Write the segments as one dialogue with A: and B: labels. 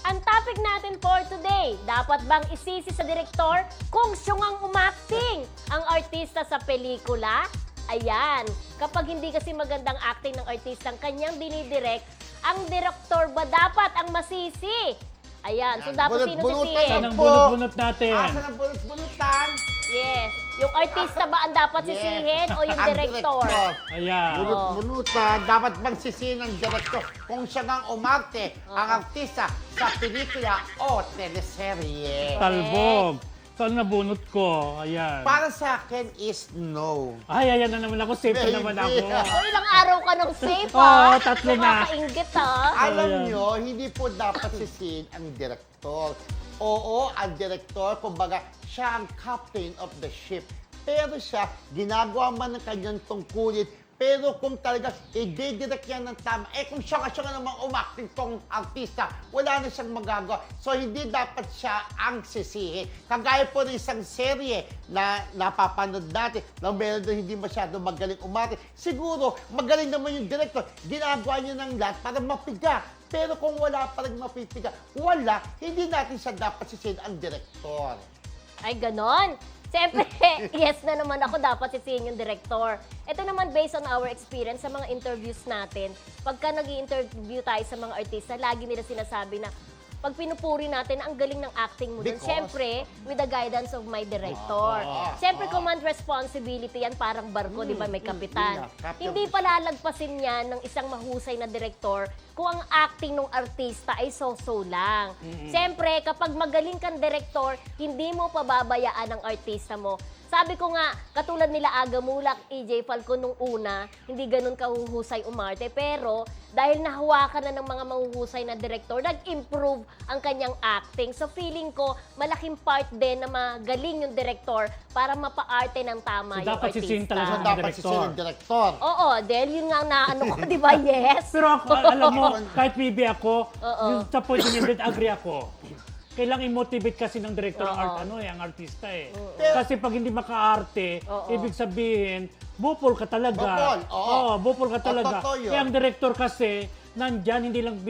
A: Ang topic natin for today, dapat bang isisi sa direktor kung siyungang umakting ang artista sa pelikula? Ayan, kapag hindi kasi magandang acting ng artistang kanyang dinidirect, ang direktor ba dapat ang masisi? Ayan, so dapat sino sisihin?
B: Saan ang bunot-bunot natin?
C: Saan ang bunot-bunutan?
A: Yes, yung artista ba ang dapat sisihin o yung
C: Ang
A: direktor?
B: Ayan.
C: Bunot-bunutan, dapat bang sisihin ng direktor kung siya ngang umarte ang artista sa pelikula o teleserye?
B: Talbog. Saan nabunot ko? Ayan.
C: Para sa akin is no.
B: Ay, ayan na naman ako. Safe
C: Baby.
B: na naman ako.
A: O ilang araw ka nung safe,
B: Oo,
A: ha?
B: tatlo na.
A: Nakakaingit, ha?
C: Alam
B: Ayan.
C: nyo, hindi po dapat sisihin ang direktor. Oo, ang direktor, kumbaga, siya ang captain of the ship. Pero siya, ginagawa man ng kanyang tungkulin. Pero kung talaga i-direct yan ng tama, kung siya nga namang umakting tong artista, wala na siyang magagawa. So, hindi dapat siya ang sisihin. Kagaya po ng isang serye na napapanood natin, na meron doon hindi masyado magaling umarte. Siguro, magaling naman yung director. Ginagawa niya ng lahat para mapiga. Pero kung wala pa rin mapipiga, wala, hindi natin siya dapat sisihin ang director.
A: Ay, ganon. Siyempre, yes na naman ako dapat sisihin yung director. Ito naman based on our experience sa mga interviews natin. Pagka nag-i-interview tayo sa mga artista, lagi nila sinasabi na pag pinupuri natin, ang galing ng acting mo dun.
C: Because-
A: Siyempre, with the guidance of my director. Siyempre, command responsibility yan, parang barko, di ba, may kapitan.
C: Captain.
A: Hindi palalagpasin yan ng isang mahusay na direktor kung ang acting ng artista ay so-so lang. Siyempre, kapag magaling kang direktor, hindi mo pababayaan ang artista mo. Sabi ko nga, katulad nila Aga Mulak, EJ Falcon nung una, hindi ganun kahuhusay umarte. Pero dahil nahawakan na ng mga mahuhusay na direktor, nag-improve ang kanyang acting. So feeling ko, malaking part din na magaling yung direktor para mapa-arte ng tama
B: So,
A: yung
B: dapat
A: artista.
B: sisihin talaga
C: So,
B: ng
C: dapat
B: director.
C: sisihin ng director.
A: Oo, dahil yun nga ang naano ko, di ba? Yes.
B: Pero ako, alam mo, kahit bibi ako,
A: Oo.
B: yung sa point niya din, agree ako. Kailangan i-motivate kasi ng director ang
A: Oo.
B: ang artista eh.
C: Pero-
B: Kasi pag hindi maka-arte,
A: Oo.
B: ibig sabihin, bupol ka talaga.
C: Bupol, oo.
B: Bupol ka talaga.
C: Totoo yun.
B: Kaya ang director kasi, nandyan, hindi lang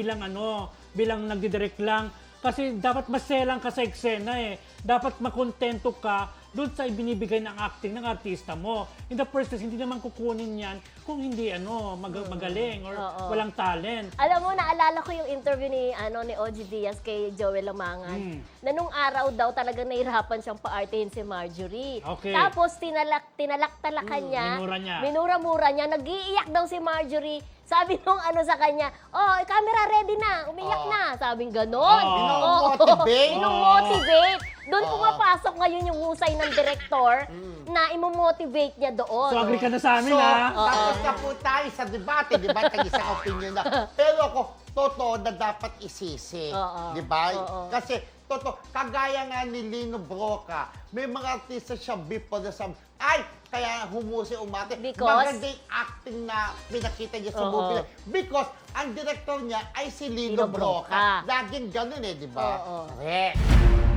B: bilang nagdidirect lang. Kasi dapat maselang ka sa eksena eh. Dapat makontento ka doon sa ibinibigay ng acting ng artista mo. In the first place, hindi naman kukunin yan kung hindi magaling or
A: Oo.
B: walang talent.
A: Alam mo, naalala ko yung interview ni OG Diaz kay Joel Lamangan. Na nung araw daw talagang nahirapan siyang paartehin si Marjorie.
B: Okay.
A: Tapos tinalak-talakan niya.
B: minura niya.
A: Minura-mura niya. Nag-iiyak daw si Marjorie. Sabi nung sa kanya, oh, camera ready na, umiyak na. Sabing ganon.
C: Minomotivate.
A: Minomotivate. Doon
C: Oo.
A: pumapasok ngayon yung husay ng direktor na imomotivate niya doon.
B: So, agree ka na sa amin,
C: So,
B: ha?
C: tapos na po tayo sa debate, di ba? Tag-isang opinion na. Pero ako, totoo na dapat isisi.
A: Oo.
C: Di ba?
A: Oo.
C: Kasi, totoo, kagaya nga ni Lino Broca, may mga artista siya before na sabi, ay, kaya humusi umate.
A: Because?
C: Maganda yung acting na pinakita niya sa
A: Oo.
C: movie. Because, ang director niya ay si
A: Lino
C: Lino
A: Broca.
C: Broca. Laging ganun eh, di ba?
A: Oo.
C: Correct.